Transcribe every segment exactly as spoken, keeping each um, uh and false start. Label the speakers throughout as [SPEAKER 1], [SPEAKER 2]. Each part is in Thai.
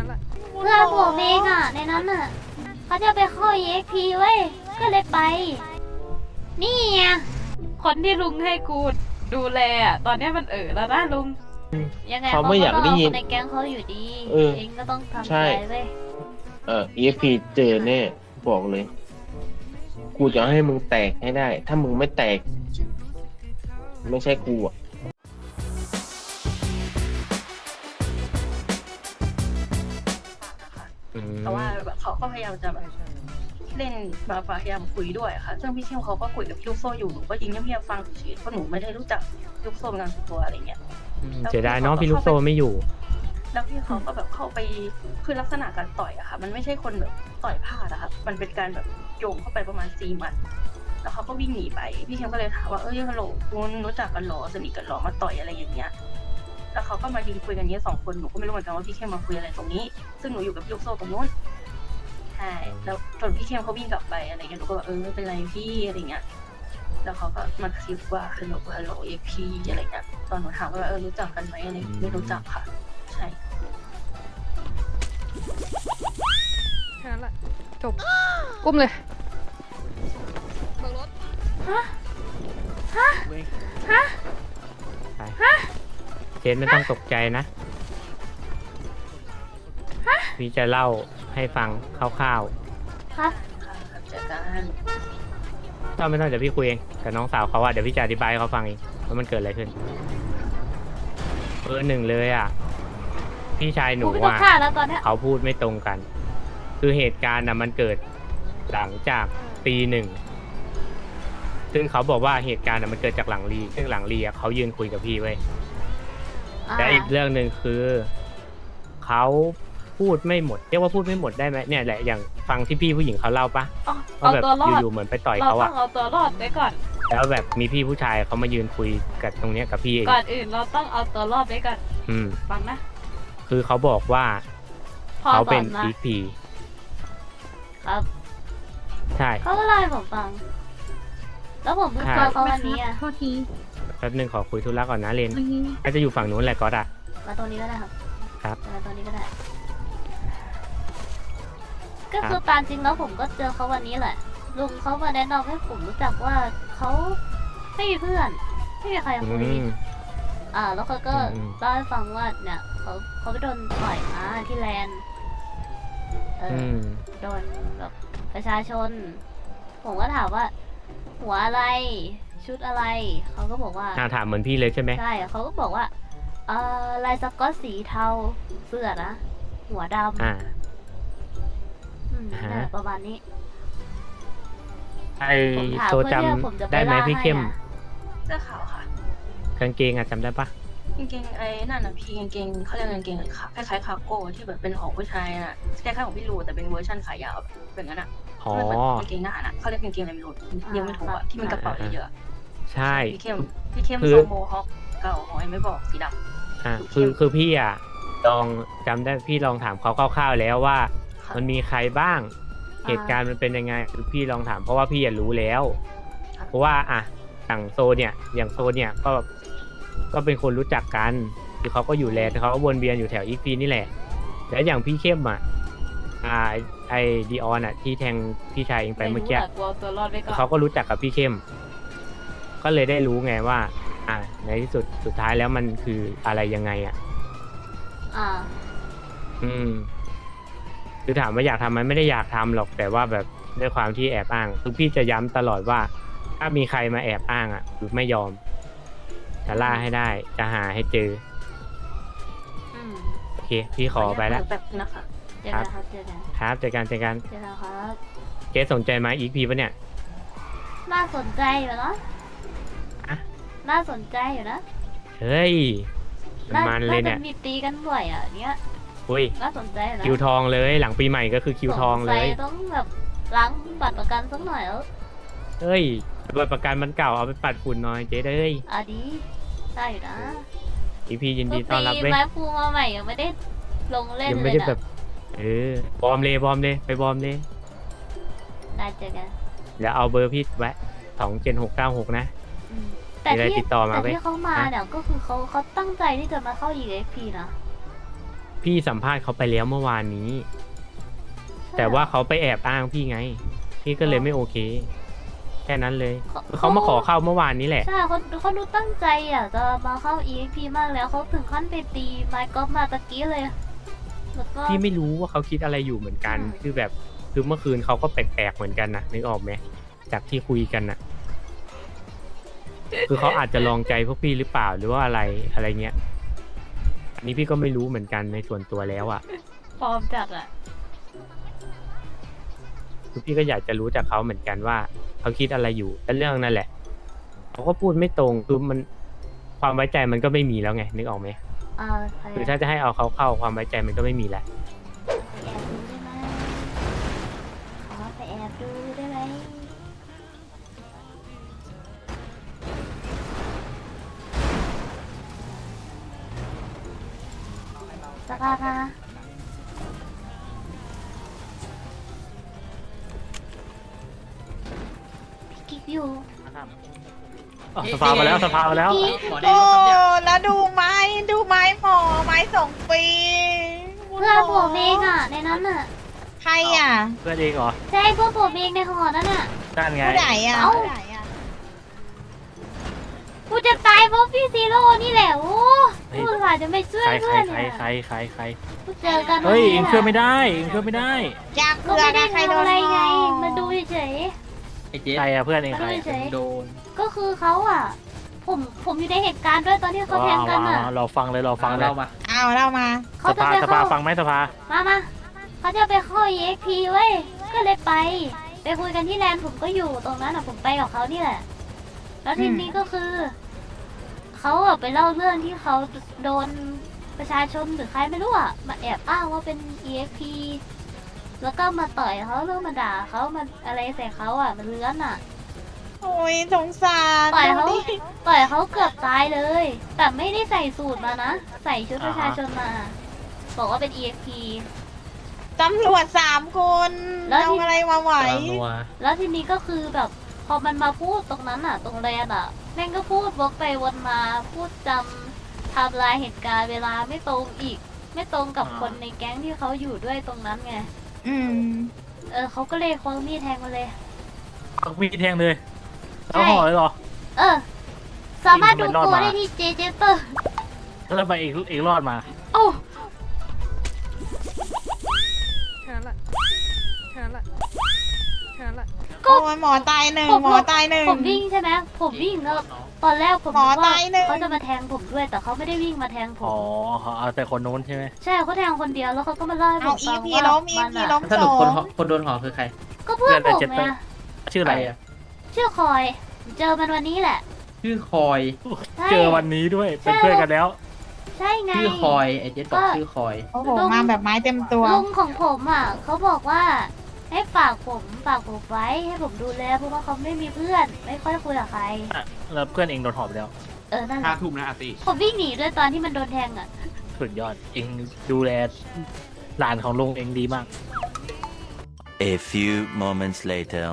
[SPEAKER 1] เพื่อนผมเองอ่ะในนั้นอ่ะเขาจะไปเข้า อี เอ็กซ์ พี เว้ยก็เลยไปนี่ไง
[SPEAKER 2] คนที่ลุงให้กูดูแลอ่ะตอนนี้มันเออแล้วนะลุง
[SPEAKER 1] ยังไง
[SPEAKER 3] เขาไม่อยากได้ยิน
[SPEAKER 1] ในแก๊งเขาอยู่ดี
[SPEAKER 3] เออ
[SPEAKER 1] เองก็ต้องทำ
[SPEAKER 3] ใช่
[SPEAKER 1] ใจเว้ย
[SPEAKER 3] เออ อี เอ็กซ์ พี เจอแน่บอกเลย กูจะให้มึงแตกให้ได้ ถ้ามึงไม่แตก ไม่ใช่กูอ่ะ
[SPEAKER 4] แต่ว่าแบบเขาก็พยายามจะแบบเล่นแบบพยายามคุยด้วยค่ะซึ่งพี่เข้มเขาก็คุยกับพี่ลูกโซ่อยู่หนูก็ยิงเงียบๆฟังเฉยๆเพราะหนูไม่ได้รู้จักลูกโซ่เป็นการส่วนตัวอะไรเงี้ย
[SPEAKER 5] เสียดายเนาะพี่ลูกโซ่ไม่อยู่
[SPEAKER 4] แล้วพี่เขาก็แบบเข้าไปคือลักษณะการต่อยอะค่ะมันไม่ใช่คนแบบต่อยพลาดอะค่ะมันเป็นการแบบโยงเข้าไปประมาณสี่หมัดแล้วเขาก็วิ่งหนีไปพี่เข้มก็เลยถามว่าเอ้ยฮัลโหลคุณรู้จักกันหรอสนิทกันหรอมาต่อยอะไรอย่างเงี้ยแล้วเขาก็มายืนคุยกันเนี้ยสองคนหนูก็ไม่รู้เหมือนกันว่าพี่เข้มมาคุยอะไรตรงนี้ซึ่งหนูอยู่กับพี่ลูกโซ่ตรงนู้นใช่แล้วจนพี่เข้มเขาวิ่งกลับไปอะไรเงี้ยหนูก็แบบเออไม่เป็นไรพี่อะไรเงี้ยแล้วเขาก็มากระซิบว่าฮัลโหลฮัลโหลเอ็กพีอะไรเงี้ยตอนหนูถามว่าเออรู้จักกันไหมอะไรไม่รู้จักค่ะใช่
[SPEAKER 2] แค่นั้นแหละจบอุ้มเลยเบิกรถ
[SPEAKER 1] ฮะฮะฮะ
[SPEAKER 5] ไปเจนไม่ต้องตกใจนะ พี่จะเล่าให้ฟังคร่าว
[SPEAKER 1] ครับ
[SPEAKER 4] ค่ะเจอกัน
[SPEAKER 5] ๆถ้าไม่ต้องเดี๋ยวพี่คุยเองกับน้องสาวเขาว่าเดี๋ยวพี่จะอธิบายให้เขาฟังเองว่ามันเกิดอะไรขึ้นเออหนึ่งเลยอ่ะ พี่ชายหนู
[SPEAKER 1] กูไม่ต้อง
[SPEAKER 5] อ่ะ
[SPEAKER 1] ฆ่าแล้วตอนเนี้ย
[SPEAKER 5] เขาพูดไม่ตรงกัน คือเหตุการณ์นะมันเกิดหลังจากตีหนึ่ง ซึ่งเขาบอกว่าเหตุการณ์นะมันเกิดจากหลังรีซึ่งหลังรีอะเขายืนคุยกับพี่ไว้ย
[SPEAKER 1] อ่า
[SPEAKER 5] และอีกเรื่องหนึ่งคือเขาพูดไม่หมดเรียกว่าพูดไม่หมดได้ไหมเนี่ยแหละอย่างฟังที่พี่ผู้หญิงเขาเล่าปะ
[SPEAKER 2] เอา
[SPEAKER 5] ว่า
[SPEAKER 2] เอา
[SPEAKER 5] แบบ
[SPEAKER 2] ตัวรอด
[SPEAKER 5] อยู่ๆเหมือนไปต่อย
[SPEAKER 2] เรา
[SPEAKER 5] เขา
[SPEAKER 2] ต้อ
[SPEAKER 5] อะ
[SPEAKER 2] งเอาตัวรอดไว้ก่อน
[SPEAKER 5] แล้วแบบมีพี่ผู้ชายเขามายืนคุยกับตรงเนี้ยกับพี่เอง
[SPEAKER 2] ก่อนอื่นเราต้องเอาตัวรอดไว้ก่อน
[SPEAKER 5] อืม
[SPEAKER 2] ฟังนะ
[SPEAKER 5] คือเขาบอกว่า
[SPEAKER 1] พอ
[SPEAKER 5] เขา
[SPEAKER 1] ส
[SPEAKER 5] เป็
[SPEAKER 1] อน นมา
[SPEAKER 5] อีพี
[SPEAKER 1] ครับ
[SPEAKER 5] ใช่
[SPEAKER 1] เขาก็เล่าให้ผมฟัง แล้วผมเพิ่งเจอเขาวันนี้อ่ะ
[SPEAKER 6] โทษที
[SPEAKER 5] แป๊บนึงขอคุยธุระก่อนนะเลน
[SPEAKER 6] เมื่อกี้
[SPEAKER 5] ก็จะอยู่ฝั่งนู้นแหละก็อะ
[SPEAKER 1] มาตรงนี้ก็ได้ครับ
[SPEAKER 5] ครับ
[SPEAKER 1] มาตรงนี้ก็ได้ ก็คือตามจริงแล้วผมก็เจอเขาวันนี้แหละ ลุงเขามาแนะนำให้ผมรู้จักว่าเขาไม่มีเพื่อน ไม่มีใคร
[SPEAKER 5] อื
[SPEAKER 1] คุย
[SPEAKER 5] ม
[SPEAKER 1] อ่า แล้วเขาก็
[SPEAKER 5] อืม
[SPEAKER 1] เล่าให้ฟังว่าเนี่ยเขาเขาไปโดนต่อยมาที่แลนด์เอ
[SPEAKER 5] อื
[SPEAKER 1] อ
[SPEAKER 5] ม
[SPEAKER 1] โดนแบบประชาชน ผมก็ถามว่า หัวอะไร ชุดอะไร เขาก็บอกว่า
[SPEAKER 5] อ่าถามเหมือนพี่เลยใช่ไหม
[SPEAKER 1] ใช่เขาก็บอกว่า เอ่อ ลายสก๊อตสีเทา เสื้อนะ หัวดำ
[SPEAKER 5] อ่า
[SPEAKER 1] อืม
[SPEAKER 5] ฮะ
[SPEAKER 1] นั่นแหละประมาณนี้
[SPEAKER 5] ไอ
[SPEAKER 1] ผมถาม
[SPEAKER 5] โซ
[SPEAKER 1] เพื่อ
[SPEAKER 5] จ
[SPEAKER 1] ที่ผมจะ
[SPEAKER 5] ำ
[SPEAKER 1] ไป
[SPEAKER 5] ได้ไหม
[SPEAKER 1] ล่า
[SPEAKER 5] พี่
[SPEAKER 1] ให้
[SPEAKER 5] เข้ม
[SPEAKER 1] อะ
[SPEAKER 4] เสื้อขาวค่ะ
[SPEAKER 5] กางเกงอะจำได้ปะ
[SPEAKER 4] กางเกงไอ้นั่นน่ะพี่กางเกงเขาเรียกกางเกงอะไรคะคล้ายๆคาร์โก้ที่แบบเป็นของผู้ชายน่ะคล้ายๆของพี่ลูแต่เป็นเวอร์ชันขายาวแบบนั้นอ่ะ
[SPEAKER 5] อ๋อ
[SPEAKER 4] ที่มันเป็นกางเกงทหารอ่ะเขาเรียกกางเกงอะไรไม่รู้ยังไม่ถูกอ่ะที่มันกระเป๋าเยอะ
[SPEAKER 5] ใช่
[SPEAKER 4] ๆพี่เข้มพี่เข้ม
[SPEAKER 5] คือ
[SPEAKER 4] โซโมฮอคเก่าของไอ้ไม่บอกสีดำ
[SPEAKER 5] อ่า
[SPEAKER 4] คือ
[SPEAKER 5] คือคือพี่อ่ะลองจำได้พี่ลองถามเขาคร่าวๆแล้วว่า
[SPEAKER 4] ค่ะ
[SPEAKER 5] มันมีใครบ้าง เหตุการณ์มันเป็นยังไงคือพี่ลองถามเพราะว่าพี่อยากรู้แล้ว เพราะว่าอ่ะอย่างโซเนี่ย อย่างโซเนี่ยก็ก็เป็นคนรู้จักกันคือเขาก็อยู่แลนด์เขาก็วนเวียนอยู่แถวอีพีนี่แหละแล้วอย่างพี่เข้มอ่ะอ่าไอดีออนอ่ะที่แทงพี่ชายเองไปเมื่อกี้
[SPEAKER 2] ไม่รู้ะกลัวตัวรอดไว้ก่อน
[SPEAKER 5] เขาก็รู้จักกับพี่เข้ม ก็เลยได้รู้ไงว่า อ่า ในที่สุดสุดท้ายแล้วมันคืออะไรยังไงอ่ะ
[SPEAKER 1] อ่า
[SPEAKER 5] อืม คือถามว่าอยากทำไหมไม่ได้อยากทำหรอกแต่ว่าแบบด้วยความที่แอบอ้างคือพี่จะย้ำตลอดว่า ถ้ามีใครมาแอบอ้างอ่ะคือไม่ยอมจะล่าให้ได้ จะหาให้เจอ
[SPEAKER 1] อืม
[SPEAKER 5] โอเค พี่ขอไปแล้ว
[SPEAKER 4] แบบนะคะ
[SPEAKER 1] เจอกันครับเจอกัน
[SPEAKER 5] ครับเจอกันเจอกัน
[SPEAKER 1] เจอกันครับ
[SPEAKER 5] เกสสนใจไหมอีกพีปะเนี่ย
[SPEAKER 1] น่าสนใจอยู่เนาะ
[SPEAKER 5] อะ
[SPEAKER 1] น่าสนใจอยู่นะ
[SPEAKER 5] เฮ้ย
[SPEAKER 1] น่า
[SPEAKER 5] มันเลยเนี่ย
[SPEAKER 1] าจะมีตีกันบ่อยอ่ะเนี้ย
[SPEAKER 5] อุ้ย
[SPEAKER 1] น่าสนใจอยู่นะ
[SPEAKER 5] คิวทองเลย หลังปีใหม่ก็คือคิวทองเลย
[SPEAKER 1] สงสัต้องแบบล้างบัตรประกันสักหน่อยแล้ว
[SPEAKER 5] เฮ้ยบัตรประกันมันเก่าเอาไปปัดฝุ่นหน่อยเจ๊เอ้ย
[SPEAKER 1] อ่ะดีได้อยู่นะ
[SPEAKER 5] อีพียินดีต้อนรับ
[SPEAKER 1] ตี
[SPEAKER 5] เว้ย
[SPEAKER 1] ไม้ฟูมาใหม่ยังไม่ได้ลงเล่น
[SPEAKER 5] ยัง
[SPEAKER 1] เล
[SPEAKER 5] ไม่
[SPEAKER 1] ย
[SPEAKER 5] ได้
[SPEAKER 1] นะ
[SPEAKER 5] แบบ เออบอมเลยบอมเลยไปบอมเลย
[SPEAKER 1] ได้เจอกัน
[SPEAKER 5] เดี๋ยวเอาเบอร์พี่ไว้สองเจ็ดหกเก้าหกนะ
[SPEAKER 1] อืมแต่
[SPEAKER 5] มีอะไร
[SPEAKER 1] ที่
[SPEAKER 5] ติดต่อมา
[SPEAKER 1] แต่
[SPEAKER 5] ไหม
[SPEAKER 1] ที่เขามา
[SPEAKER 5] ฮะ
[SPEAKER 1] เนี่ยก็คือเขาเขาตั้งใจที่จะมาเข้า อี เอ็กซ์ พี นะ
[SPEAKER 5] พี่สัมภาษณ์เขาไปแล้วเมื่อวานนี้ แต่ว่าเขาไปแอบอ้างพี่ไง พี่ก็เลยไม่โอเค แค่นั้นเลยคือเขามาขอเข้าเมื่อวานนี้แหละ
[SPEAKER 1] ใช่เขาเขาดูตั้งใจอ่ะจะมาเข้า อี เอ็กซ์ พี มากแล้วเขาถึงขั้นไปตีไมค์กอล์ฟมาตะกี้เลยแล้วก็
[SPEAKER 5] พี่ไม่รู้ว่าเขาคิดอะไรอยู่เหมือนกัน
[SPEAKER 1] อืม
[SPEAKER 5] คือแบบคือเมื่อคืนเขาก็แปลกๆเหมือนกันนะนึกออกไหมจากที่คุยกันนะคือเขาอาจจะลองใจพวกพี่หรือเปล่าหรือว่าอะไรอะไรเงี้ยอันนี้พี่ก็ไม่รู้เหมือนกันในส่วนตัวแล้วอ่ะ
[SPEAKER 1] ฟอร์มจัดอ่ะ
[SPEAKER 5] คือพี่ก็อยากจะรู้จากเขาเหมือนกันว่าเขาคิดอะไรอยู่แต่เรื่องนั่นแหละเขาก็พูดไม่ตรงคือมันความไว้ใจมันก็ไม่มีแล้วไงนึกออกไหม
[SPEAKER 1] อ่าไป
[SPEAKER 5] คือถ้าจะให้เอาเขาเข้าความไว้ใจมันก็ไม่มีแหละ
[SPEAKER 1] แอบดูได้ไหมขอไปแอบดูได้ไหมสกาค่ะพี่กิ๊กอยู่
[SPEAKER 5] สภามาแล้วสภามาแล้ว
[SPEAKER 1] พี่
[SPEAKER 6] โอ้แล้วดูไม้ดูไม้หมอไม้สองปี
[SPEAKER 1] เพื่อนผมเองอ่ะ ในนั้นอ่ะ
[SPEAKER 6] ใครอ่ะ
[SPEAKER 5] เพื่อนเองเหรอ
[SPEAKER 1] ใช่เพื่อนผมเองในหอนั่นอ่ะ
[SPEAKER 5] นั่นไง
[SPEAKER 6] ผู้ใดอ่ะ
[SPEAKER 1] เอ้า
[SPEAKER 6] ผู้ใดอ่ะ
[SPEAKER 1] กูจะตายเพราะพี่ซีโร่นี่แหละโอ้
[SPEAKER 5] เฮ้ย
[SPEAKER 1] กูอาจจะไม่ช่วย
[SPEAKER 5] ใครใคร
[SPEAKER 1] เพื่อน
[SPEAKER 5] ใคร
[SPEAKER 1] เนี่ย
[SPEAKER 5] ใครใครใคร
[SPEAKER 1] กูเจอกัน
[SPEAKER 5] เฮ้ย
[SPEAKER 1] วัน
[SPEAKER 5] เอ
[SPEAKER 1] นี้
[SPEAKER 5] ง
[SPEAKER 1] แหละ
[SPEAKER 5] ช่วยไม่ได้เองช่วยไม่ได้
[SPEAKER 6] อยาก
[SPEAKER 1] ก็
[SPEAKER 6] เกลือ
[SPEAKER 1] ไม่ได้
[SPEAKER 6] นะใครโด
[SPEAKER 1] ทำ
[SPEAKER 6] น
[SPEAKER 1] อะไรไง
[SPEAKER 6] ห่อ
[SPEAKER 1] มาดูเฉย
[SPEAKER 7] ไอ้เจ๊
[SPEAKER 5] ใครอะเพื่อนเองใคร
[SPEAKER 1] เฉย
[SPEAKER 7] โดน
[SPEAKER 1] ๆก็คือเขาอ่ะ ผมผมอยู่ในเหตุการณ์ด้วยตอนที่เขาแทงกันอ่ะ
[SPEAKER 5] เราฟังเลยเราฟังเลย
[SPEAKER 7] เล่ามา
[SPEAKER 6] เอาเรามา
[SPEAKER 1] เขา
[SPEAKER 5] ส
[SPEAKER 1] จะ
[SPEAKER 5] ภา
[SPEAKER 1] ไป
[SPEAKER 5] สภา
[SPEAKER 1] เข้า
[SPEAKER 5] ฟังไหมสภา
[SPEAKER 1] มามาเขาจะไปเข้า อี เอ็กซ์ พี เว้ย ก็เลยไป ไปคุยกันที่แลนด์ผมก็อยู่ตรงนั้นอ่ะ ผมไปกับเขานี่แหละ แล้วทีนี้ก็คือ เขาอะไปเล่าเรื่องที่เขาโดนประชาชนหรือใครไม่รู้อ่ะ มาแอบอ้างว่าเป็น อี เอ็กซ์ พี แล้วก็มาต่อยเขาเรื่องมาด่าเขามาอะไรใส่เขาอ่ะ มันเลื้อนอ่ะ
[SPEAKER 6] โอ้ยสงสาร
[SPEAKER 1] ต่อยเขา
[SPEAKER 6] ดูดิ
[SPEAKER 1] ต่อยเขาเกือบตายเลย แต่ไม่ได้ใส่สูตรมานะ ใส่ชุดประชาชนมา บอกว่าเป็น อี เอ็กซ์ พี
[SPEAKER 6] ตำรวจสามคน
[SPEAKER 1] แล้ว
[SPEAKER 6] เอา
[SPEAKER 1] ที่
[SPEAKER 6] อะไรมาไหว
[SPEAKER 7] กำลังนัว
[SPEAKER 1] แล้วทีนี้ก็คือแบบพอมันมาพูดตรงนั้นอ่ะ ตรงแรนอ่ะ แม่งก็พูดวกไปวนมา พูดจำไทำลายเหตุการณ์เวลาไม่ตรงอีก ไม่ตรงกับคนในแก๊งที่เขาอยู่ด้วยตรงนั้นไง
[SPEAKER 6] อืม
[SPEAKER 1] เออเขาก็เลยคว้ามีดแทงมาเลย
[SPEAKER 5] เอามีดแทงเลยแล้วห่อเลยเหรอ
[SPEAKER 1] เออ สามารถดู
[SPEAKER 5] ทำไมรอด
[SPEAKER 1] ตัว
[SPEAKER 5] มา
[SPEAKER 1] ได้ที่เจเจเตอร์
[SPEAKER 5] แล้วทำไมเองเองรอดมา
[SPEAKER 1] โอ้า
[SPEAKER 2] แค่นั้นแหละแค่นั้นแหละแค่นั้นแหละ
[SPEAKER 1] ก็
[SPEAKER 6] โอ้ยหมอตายหนึ่ง
[SPEAKER 1] ผม
[SPEAKER 6] หมอตายหนึ่ง
[SPEAKER 1] ผมวิ่งใช่ไหมผมวิ่งแล้วตอนแรกผม
[SPEAKER 6] หมอ
[SPEAKER 1] นึกว่า
[SPEAKER 6] ตายหนึ่ง
[SPEAKER 1] เขาจะมาแทงผมด้วย แต่เขาไม่ได้วิ่งมาแทงผ
[SPEAKER 5] อ๋อ
[SPEAKER 1] ม
[SPEAKER 5] เขาเอาแต่คนโน้นใช่ไหม
[SPEAKER 1] ใช่เขาแทงคนเดียวแล้วเขาก็มาเล่าให้ผ
[SPEAKER 6] เอา
[SPEAKER 1] ม
[SPEAKER 6] อี
[SPEAKER 1] ฟัง
[SPEAKER 6] พี
[SPEAKER 1] ว่า
[SPEAKER 6] ล้มอี
[SPEAKER 1] มัน
[SPEAKER 6] พี
[SPEAKER 1] อะ
[SPEAKER 6] ล้ม
[SPEAKER 7] ส
[SPEAKER 6] ส
[SPEAKER 7] รุป
[SPEAKER 6] อ
[SPEAKER 7] คน
[SPEAKER 6] ง
[SPEAKER 7] หอคนโดนหอคือใคร
[SPEAKER 1] ก็เพื่อนผมไง
[SPEAKER 5] ชื่อ
[SPEAKER 7] ใค
[SPEAKER 5] อะไร
[SPEAKER 7] รอ่ะ
[SPEAKER 1] ชื่อคอยเจอมันวันนี้แหละ
[SPEAKER 7] ชื่อคอย
[SPEAKER 1] ใช่
[SPEAKER 5] เจอวันนี้ด้วยเป็นเพื่อนกันแล้ว
[SPEAKER 1] ใช่ไง
[SPEAKER 7] ชื่อคอยไอ้เจ๊บอก
[SPEAKER 1] ก็
[SPEAKER 7] ชื่อคอย
[SPEAKER 6] โอ้โหมาแบบไม้เต็มตัว
[SPEAKER 1] ลุงของผมอ่ะเขาบอกว่าให้ฝากผมฝากผมไว้ให้ผมดูแลเพราะว่าเขาไม่มีเพื่อน ไม่ค่อยคุยกับใคร
[SPEAKER 5] อ่ะแล้วเพื่อนเองโดนหอบไปแล้ว
[SPEAKER 1] เออนั่นแห
[SPEAKER 8] ห้า
[SPEAKER 1] ละ
[SPEAKER 8] ทุ่มนะอาร์ตี้
[SPEAKER 1] ผมวิ่งหนีด้วยตอนที่มันโดนแทงอ่ะ
[SPEAKER 5] สุดยอดเองดูแลหลานของลุงเองดีมาก
[SPEAKER 9] A few moments later.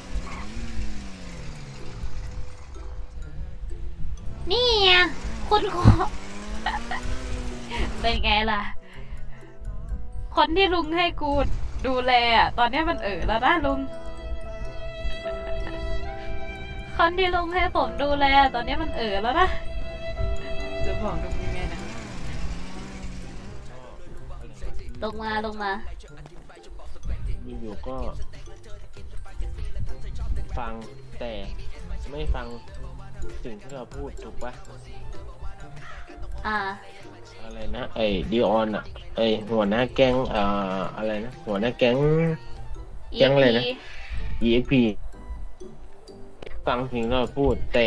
[SPEAKER 1] นี่ไงคุณครู เป็นไงล่ะ คนที่ลุงให้กูดูแลอ่ะ ตอนนี้มันเออแล้วนะลุง คนที่ลุงให้ผมดูแล ตอนนี้มันเออแล้วนะ จะบอกลุงยังไงนะ ลงมาลงมา
[SPEAKER 3] อยู่ๆก็ ฟังแต่ไม่ฟังสิ่งที่เราพูดถูกปะ
[SPEAKER 1] อ่า
[SPEAKER 3] อะไรนะไอ้ดิออนอ่ะไอ้หัวหน้าแก๊งอ่าอะไรนะหัวหน้าแก๊ง แก๊งอะไรนะ อี เอ็กซ์ พี ฟังสิ่งที่เราพูดแต่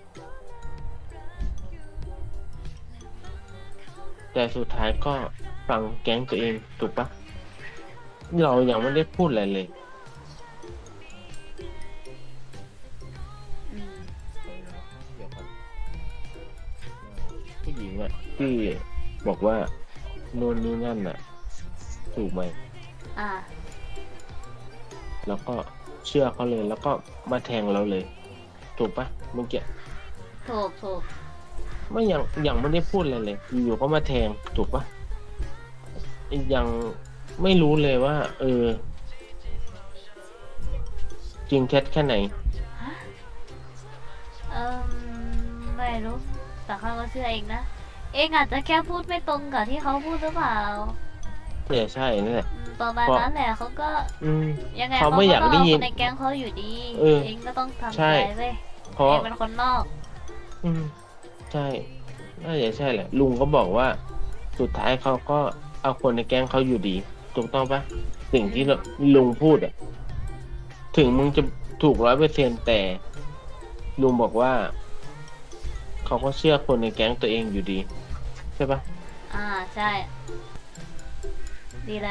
[SPEAKER 3] แต่สุดท้ายก็ฟังแก๊งตัวเองถูกปะเรายังไม่ได้พูดอะไรเลย
[SPEAKER 1] อืม
[SPEAKER 3] เดี๋ยวก่อนผู้หญิงอ่ะที่บอกว่าโน่นนี่นั่นอ่ะ ถูกไหม
[SPEAKER 1] อ่า
[SPEAKER 3] แล้วก็เชื่อเขาเลยแล้วก็มาแทงเราเลย ถูกปะเมื่อกี้
[SPEAKER 1] ถูกถูก
[SPEAKER 3] ไม่ยังยังไม่ได้พูดอะไรเลยอยู่ๆก็มาแทงถูกปะ
[SPEAKER 1] ถ
[SPEAKER 3] ยังไม่รู้เลยว่า เออ จริงเท็จแค่ไหน
[SPEAKER 1] เออไม่รู้แต่เขาก็เชื่อเองนะ เองอาจจะแค่พูดไม่ตรงกับที่เขาพูดหรือเปล่า
[SPEAKER 3] เนี่ยใช่นั่นแหละ
[SPEAKER 1] อืมประมาณนั้นแหละเขาก็
[SPEAKER 3] อืม
[SPEAKER 1] ยังไง
[SPEAKER 3] เขาไม่อยาก
[SPEAKER 1] ต้ง
[SPEAKER 3] ได้ยิน
[SPEAKER 1] เคนในแก๊งเขาอยู่ดี
[SPEAKER 3] เออ
[SPEAKER 1] เองก็ต้องทำ
[SPEAKER 3] ใช่
[SPEAKER 1] ใจเว้ย
[SPEAKER 3] เพราะ
[SPEAKER 1] เองเป็นคนนอก
[SPEAKER 3] อืมใช่น่าจะใช่แหละ ลุงก็บอกว่า สุดท้ายเขาก็เอาคนในแก๊งเขาอยู่ดี ถูกต้องปะสิ่งที่ลุงพูดอะถึงมึงจะถูกร้อยเปอร์เซ็นแต่ ลุงบอกว่า เขาก็เชื่อคนในแก๊งตัวเองอยู่ดี ใช่ปะ
[SPEAKER 1] อ่าใช่ ดีแล้ว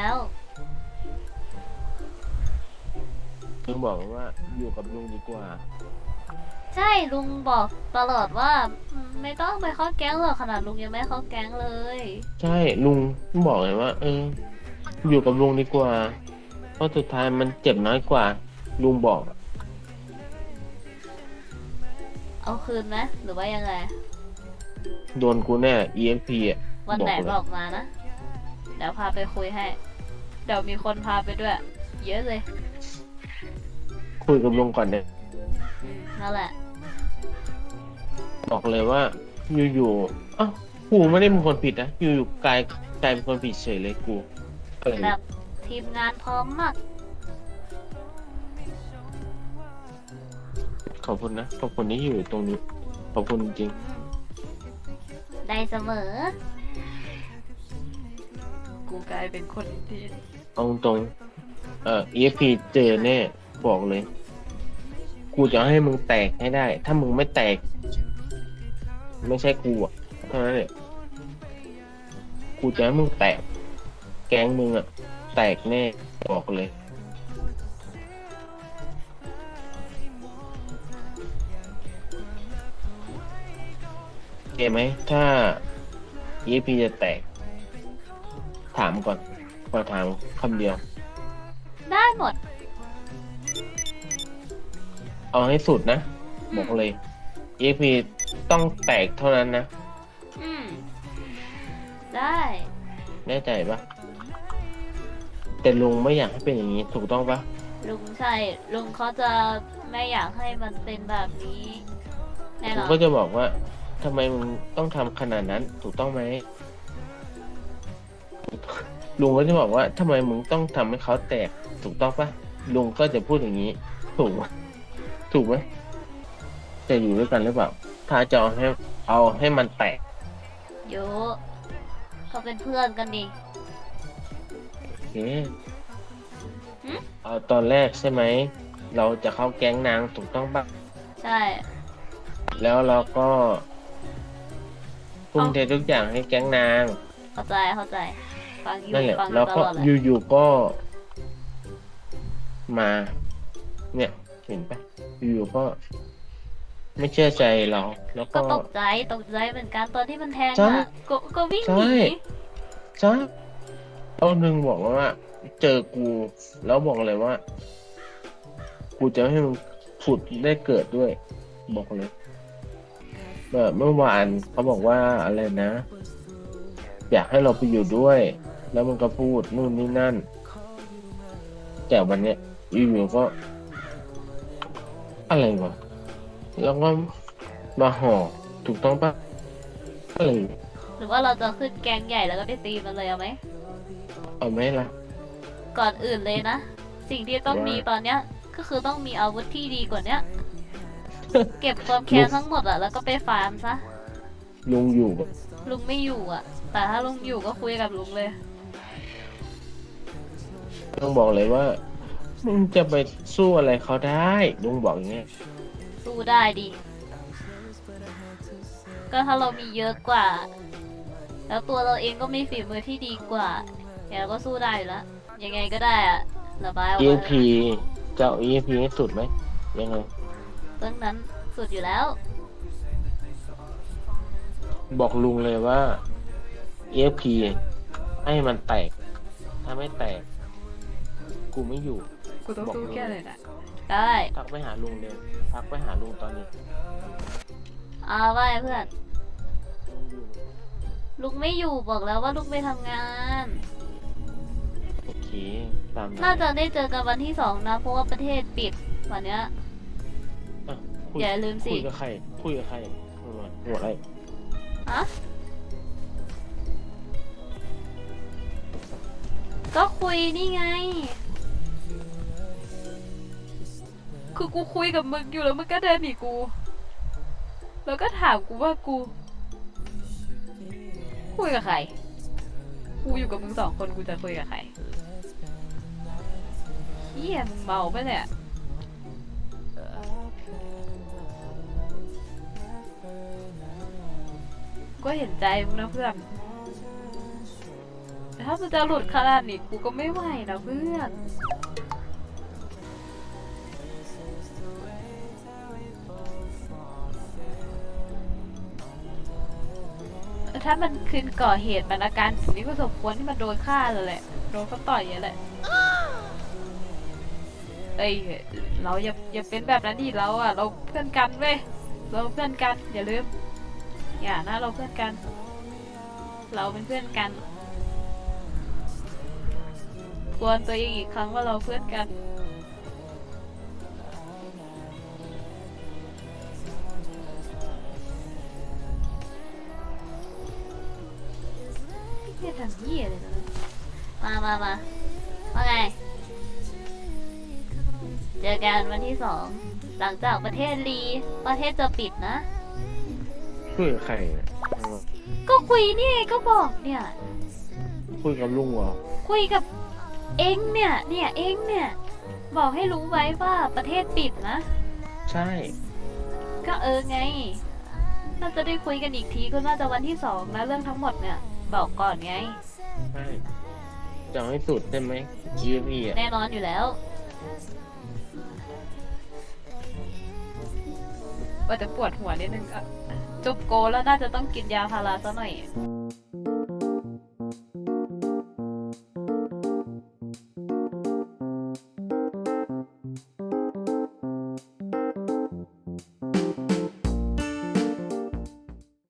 [SPEAKER 3] ลุงบอกว่าอยู่กับลุงดีกว่า
[SPEAKER 1] ใช่ลุงบอกตลอดว่าอืมไม่ต้องไปเข้าแก๊งหรอกขนาดลุงยังไม่เข้าแก๊งเลย
[SPEAKER 3] ใช่ลุงบอกเลยว่า เออ อยู่กับลุงดีกว่า เพราะสุดท้ายมันเจ็บน้อยกว่า ลุงบอก
[SPEAKER 1] เอาคืนไหมหรือว่ายังไง
[SPEAKER 3] โดนกูแน่ อี เอ็ก พี อ่ะ
[SPEAKER 1] วันไหน
[SPEAKER 3] เลย
[SPEAKER 1] บอกมานะ เดี๋ยวพาไปคุยให้ เดี๋ยวมีคนพาไปด้วย เยอะเลย
[SPEAKER 3] คุยกับลุงก่อนเนี่ย
[SPEAKER 1] อืมนั่นแหละ
[SPEAKER 3] บอกเลยว่า อยู่ๆอ้าวกูไม่ได้เป็นคนผิดนะ อยู่ๆกลายกลายเป็นคนผิดเฉยเลยกูอะไร
[SPEAKER 1] แบบทีมงานพร้อมมาก
[SPEAKER 3] ขอบคุณนะ ขอบคุณที่อยู่ตรงนี้ ขอบคุณจริง
[SPEAKER 1] ได้เสมอ กูกลายเป็นคนที่
[SPEAKER 3] ๆเอาตรงๆเอ่อ อี เอ็ก พี เจอแน่ บอกเลย กูจะให้มึงแตกให้ได้ ถ้ามึงไม่แตก ไม่ใช่กูอ่ะเท่านั้นแหละกูจะให้มึงแตก แก๊งมึงอ่ะ แตกแน่ บอกเลย โอเคไหม ถ้า อี เอ็ก พี จะแตก ถามก่อน ขอถามคำเดียว
[SPEAKER 1] ได้หมด
[SPEAKER 3] เอาให้สุดนะ
[SPEAKER 1] อืม
[SPEAKER 3] บอกเลย อี เอ็ก พี ต้องแตกเท่านั้นนะ
[SPEAKER 1] อืม ได้
[SPEAKER 3] แน่ใจปะแต่ลุงไม่อยากให้เป็นอย่างนี้ ถูกต้องปะ
[SPEAKER 1] ลุงใช่ ลุงเขาจะไม่อยากให้มันเป็นแบบนี้ แน่น
[SPEAKER 3] ลุ
[SPEAKER 1] อง น
[SPEAKER 3] ก็จะบอกว่าทำไมมึงต้องทำขนาดนั้น ถูกต้องไหมลุงก็จะบอกว่าทำไมมึงต้องทำให้เขาแตก ถูกต้องปะลุงก็จะพูดอย่างนี้ ถูกไหมถูกไหมจะอยู่ด้วยกันหรือเปล่า ถ้าจะเอาให้เอาให้มันแตก
[SPEAKER 1] โยเขาเป็นเพื่อนกันดิ
[SPEAKER 3] โอเค
[SPEAKER 1] หึ
[SPEAKER 3] เอาตอนแรกใช่ไหม เราจะเข้าแก๊งนางถูกต้องปะ
[SPEAKER 1] ใช่
[SPEAKER 3] แล้วเราก็ทุ่มเททุกอย่างให้แก๊งนาง
[SPEAKER 1] เข้าใจ เข้าใจ ฟังอยู่
[SPEAKER 3] นั่นแหละ
[SPEAKER 1] ฟังอ
[SPEAKER 3] แล้ว
[SPEAKER 1] ยู่ต
[SPEAKER 3] ก็
[SPEAKER 1] ลอดเลย
[SPEAKER 3] อยู่ๆก็ มา เนี่ย เห็นปะอยู่ๆก็ ไม่เชื่อใจเรา แล้ว
[SPEAKER 1] ก็
[SPEAKER 3] ก็
[SPEAKER 1] ตกใจ ตกใจเหมือนกันตอนที่มันแทง
[SPEAKER 3] ใช่
[SPEAKER 1] อ่ะ ก็ก็วิ่ง
[SPEAKER 3] ใช่
[SPEAKER 1] หนี
[SPEAKER 3] ใช่เอาหนึ่งบอกว่า เจอกู แล้วบอกเลยว่า กูจะให้มึงผุดได้เกิดด้วย บอกเลยแบบเมื่อวานเขาบอกว่าอะไรนะ อยากให้เราไปอยู่ด้วย แล้วมันก็พูดนู่นนี่นั่น แต่วันเนี้ยอยู่ๆก็ อะไรวะ แล้วก็มาห่อถูกต้องปะอะไร
[SPEAKER 1] หรือว่าเราจะขึ้นแกงใหญ่แล้วก็ไปตีมันเลยเอาไหม
[SPEAKER 3] เอาไหมล่ะ
[SPEAKER 1] ก่อนอื่นเลยนะ สิ่งที่ต้อง
[SPEAKER 3] ว่ามี
[SPEAKER 1] มีตอนเนี้ย ก็คือต้องมีอาวุธที่ดีกว่าเนี้ย เก็บความแค้นทั้งหมดอะแล้วก็ไปฟาร์มซะ
[SPEAKER 3] ลุงอยู่ปะ
[SPEAKER 1] ลุงไม่อยู่อะแต่ถ้าลุงอยู่ก็คุยกับลุงเลย
[SPEAKER 3] ต้องบอกเลยว่า มึงจะไปสู้อะไรเขาได้ลุงบอกอย่างเงี้ย
[SPEAKER 1] สู้ได้ดิ ก็ถ้าเรามีเยอะกว่า แล้วตัวเราเองก็มีฝีมือที่ดีกว่าแกก็สู้ได้อยู่แล้ว ยังไงก็ได้อะระบายออก
[SPEAKER 3] อี เอ็
[SPEAKER 1] มา
[SPEAKER 3] ก พี จะเอา อี เอ็ก พี ให้สุดไหมยังไง
[SPEAKER 1] เรื่องนั้นสุดอยู่แล้ว
[SPEAKER 3] บอกลุงเลยว่า อี เอ็ก พี ให้มันแตก ถ้าไม่แตก กูไม่อยู่
[SPEAKER 2] กูต้องสู้แค่เลยนะ
[SPEAKER 1] ได้
[SPEAKER 3] ทักไปหาลุงเลยทักไปหาลุงตอนนี้
[SPEAKER 1] เอาไว้เพื่อน ลุงไม่อยู่บอกแล้วว่าลุงไปทำงาน
[SPEAKER 3] เคตามนั้น
[SPEAKER 1] น่าจะได้เจอกันวันที่สองนะ เพราะว่าประเทศปิดวันเนี้ย
[SPEAKER 3] อ่ะคุย
[SPEAKER 1] อย่าลืมสิ
[SPEAKER 3] คุยกับใครคุยกับใครหัวหัวอะไร
[SPEAKER 1] ฮะก็คุยนี่ไง
[SPEAKER 2] คือกูคุยกับมึงอยู่แล้วมึงก็เดินหนีกู แล้วก็ถามกูว่ากู คุยกับใคร กูอยู่กับมึงสองคนกูจะคุยกับใครเฮียมึงเมาปะเนี่ย ก็เห็นใจมึงนะเพื่อนแต่ถ้ามึงจะหลุดขนาดนี้กูก็ไม่ไหวนะเพื่อน ถ้ามันคืนก่อเหตุมันอาการแบบนี้ก็สมควรที่มันโดนฆ่าเลยแหละ โดนเขาต่อยอย่างนี้แหละ เอ้ยเราอย่าอย่าเป็นแบบนั้นดิเราอ่ะ เราเพื่อนกันเว้ย เราเพื่อนกันอย่าลืม อย่านะเราเพื่อนกัน เราเป็นเพื่อนกันทวนตัวเองอีกครั้งว่าเราเพื่อนกัน เฮียทำเฮียเลยนะ
[SPEAKER 1] มามามาว่าไง เจอกันวันที่สอง หลังจากประเทศลี ประเทศจะปิดนะ
[SPEAKER 3] คุยกับใครเนี่ย
[SPEAKER 1] ก็คุยนี่ไงก็บอกเนี่ย
[SPEAKER 3] คุยกับลุงเหรอ
[SPEAKER 1] คุยกับเองเนี่ย เนี่ยเองเนี่ย บอกให้รู้ไว้ว่าประเทศปิดนะ
[SPEAKER 3] ใช่
[SPEAKER 1] ก็เออไง น่าจะได้คุยกันอีกทีก็น่าจะวันที่สองนะเรื่องทั้งหมดเนี่ย บอกก่อนไง
[SPEAKER 3] ใช่จะเอาให้สุดใช่ไหมยีพี่อ่ะ
[SPEAKER 1] แน่นอนอยู่แล้ว
[SPEAKER 2] ว่าจะปวดหัวนิดนึงอะจุบโกแล้วน่าจะต้องกินยาพาราซะหน่อย